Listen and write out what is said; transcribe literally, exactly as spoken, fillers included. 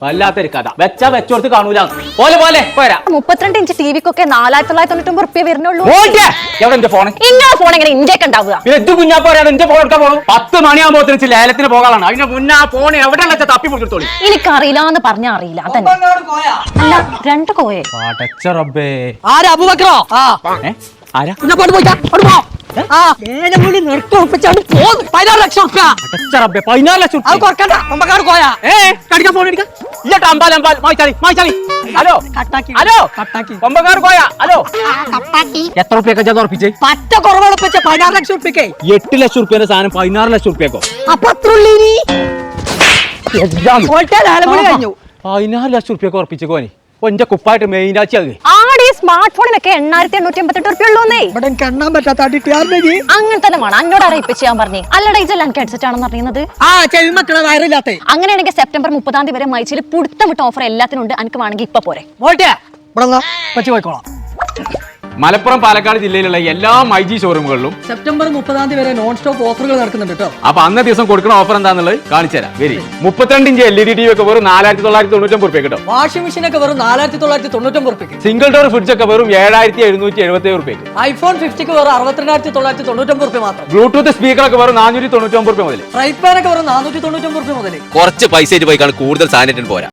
വല്ലാത്തൊരു കഥ വെച്ചാ വെച്ചോടത്ത് കാണൂല പോലെ പോലെ പോരാ. മുപ്പത്തിരണ്ട് ഇഞ്ച് ടി വിക്കൊക്കെ നാലായിരത്തി തൊള്ളായിരത്തി തൊണ്ണൂറ്റി റുപ്യ വരുന്നുള്ളൂ. എവിടെ എന്റെ ഫോൺ ഇങ്ങനെ ഫോൺ എങ്ങനെ ഇന്ത്യക്ക് ഉണ്ടാവുക? ഇത് കുഞ്ഞാ പോരാ എന്റെ ഫോൺ എടുക്കാൻ പോകും. പത്ത് മണിയാകുമ്പോ ലേലത്തിന് പോകാനാണ്. അതിന്റെ മുന്നേ ആ ഫോൺ എവിടെ തപ്പി പിടിച്ചോളി. എനിക്കറിയില്ല എന്ന് പറഞ്ഞാ അറിയില്ല. അതന്നെ അല്ല രണ്ട് കോയെ റബ്ബേ ആരാ അബൂബക്കറോ? ആ ആരാ പതിനാറ് ലക്ഷം പതിനാറ് ലക്ഷം അത് കുറക്കണ്ട. ഒമ്പക്കാട് കോയാ കടിക്കാൻ ഫോൺ എടുക്കാം. ഇല്ലട്ടോ അമ്പാൽ അമ്പാൽ മായിച്ചാളി മായിച്ചാളി. ഹലോ കട്ടാക്കി ഹലോ കട്ടാക്കി ഒമ്പക്കാട് പോയാ. ഹലോ എത്ര റുപ്യൊക്കെ ഉറപ്പിച്ചേ? പറ്റ കുറവുറപ്പിച്ച പതിനാറ് ലക്ഷം ഉറുപ്പിക്കേ. എട്ട് ലക്ഷം റുപ്യന്റെ സാധനം പതിനാറ് ലക്ഷം റുപ്യക്കോ? അപ്പൊ അത്രയുള്ളീനി കഴിഞ്ഞു. പതിനാറ് ലക്ഷം റുപ്യക്ക് ഉറപ്പിച്ചേക്കോനി. ഒന്റെ കുപ്പായിട്ട് മെയിൻ ആച്ചി ആടെ സ്മാർട്ട് ഫോണിനൊക്കെ എണ്ണായിരത്തി എണ്ണൂറ്റി എൺപത്തി എട്ട് റുപ്യ ഉള്ളൂന്നേ. ഇവിടെ എനിക്ക് എണ്ണാൻ പറ്റാത്ത അങ്ങനെ തന്നെ വേണം. അന്നോട് ആരാ ഇപ്പൊ ചെയ്യാൻ പറഞ്ഞേ? അല്ലട ഇജല്ല എനിക്ക് ഹെഡ്സെറ്റ് ആണെന്ന് അറിയുന്നത്. ആ ചെവി മക്കളെ വയറില്ലാത്ത. അങ്ങനെയാണെങ്കിൽ സെപ്റ്റംബർ മുപ്പതാം തീയതി വരെ മൈച്ചിൽ പുടുത്തം വിട്ട ഓഫർ എല്ലാത്തിനും ഉണ്ട്. എനിക്ക് വേണമെങ്കിൽ ഇപ്പൊ പോരെ. പോട്ടെ പറ്റി പോയിക്കോളാം. മലപ്പുറം പാലക്കാട് ജില്ലയിലുള്ള എല്ലാ മൈജി ഷോറൂമുകളിലും സെപ്റ്റംബർ മുപ്പതാം തീയതി വരെ നോൺ സ്റ്റോപ്പ് ഓഫറുകൾ നടക്കുന്നുണ്ട് കേട്ടോ. അപ്പൊ അന്നേ ദിവസം കൊടുക്കുന്ന ഓഫർ എന്താണെന്നുള്ളത് കാണിച്ചു തരാം. വരി മുപ്പത്തിരണ്ട് inch L E D T V ഒക്കെ വെറും നാലായിരത്തി തൊള്ളായിരത്തി തൊണ്ണൂറ്റൊമ്പത് റുപ്യ കിട്ടും. വാഷിംഗ് മെഷീൻ ഒക്കെ വെറും നാലായിരത്തി തൊള്ളായിരത്തി തൊണ്ണൂറ്റൊമ്പത് റുപ്യക്ക്. സിംഗിൾ ഡോർ ഫ്രിഡ്ജ് ഒക്കെ വെറും ഏഴായിരത്തി എഴുന്നൂറ്റി എഴുപത്തി ഏഴ് റുപ്യക്ക്. ഐഫോൺ ഫിഫ്റ്റിക്ക് വെറും അറുപത്തിരണ്ടായിരത്തി തൊള്ളായിരത്തി തൊണ്ണൂറ്റൊമ്പത് റുപ്യ മാത്രം. ബ്ലൂടൂത്ത് സ്പീക്കർ ഒക്കെ വെറും നാനൂറ്റി തൊണ്ണൂറ്റൊമ്പത് റുപ്യ മുതൽ. ഫ്രൈ പാൻ ഒക്കെ വെറും നാനൂറ്റി തൊണ്ണൂറ്റൊമ്പത് റുപ്യ മുതൽ. കുറച്ച് പൈസ പോയിക്കാണ് കൂടുതൽ സാധനം പോരാ.